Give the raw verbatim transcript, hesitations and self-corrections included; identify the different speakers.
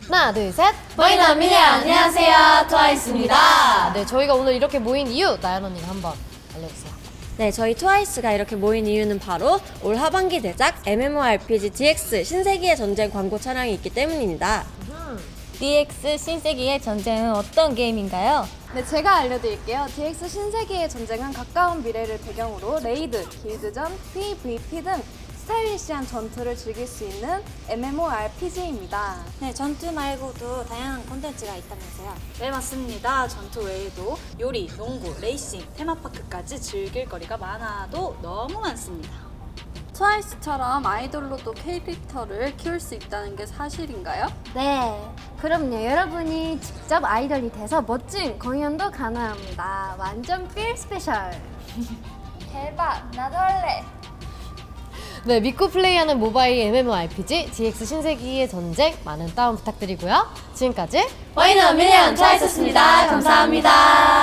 Speaker 1: 하나, 둘, 셋!
Speaker 2: 보이는 미래 안녕하세요, 트와이스입니다.
Speaker 1: 네, 저희가 오늘 이렇게 모인 이유 나연 언니가 한번 알려주세요.
Speaker 3: 네, 저희 트와이스가 이렇게 모인 이유는 바로 올 하반기 대작 엠엠오알피지 디엑스 신세기의 전쟁 광고 촬영이 있기 때문입니다.
Speaker 2: 디엑스 신세기의 전쟁은 어떤 게임인가요?
Speaker 4: 네, 제가 알려드릴게요. 디엑스 신세계의 전쟁은 가까운 미래를 배경으로 레이드, 길드전, 피브이피 등 스타일리시한 전투를 즐길 수 있는 엠엠오알피지입니다.
Speaker 5: 네, 전투 말고도 다양한 콘텐츠가 있다면서요? 네, 맞습니다. 전투 외에도 요리, 농구, 레이싱, 테마파크까지 즐길 거리가 많아도 너무 많습니다.
Speaker 4: 트와이스처럼 아이돌로도 캐릭터를 키울 수 있다는 게 사실인가요?
Speaker 6: 네, 그럼요. 여러분이 직접 아이돌이 돼서 멋진 공연도 가능합니다. 완전 필 스페셜.
Speaker 5: 대박, 나도 할래.
Speaker 1: 네, 믿고 플레이하는 모바일 엠엠오알피지 디엑스 신세기의 전쟁 많은 다운 부탁드리고요. 지금까지
Speaker 2: 보이는 미래 트와이스였습니다. 감사합니다.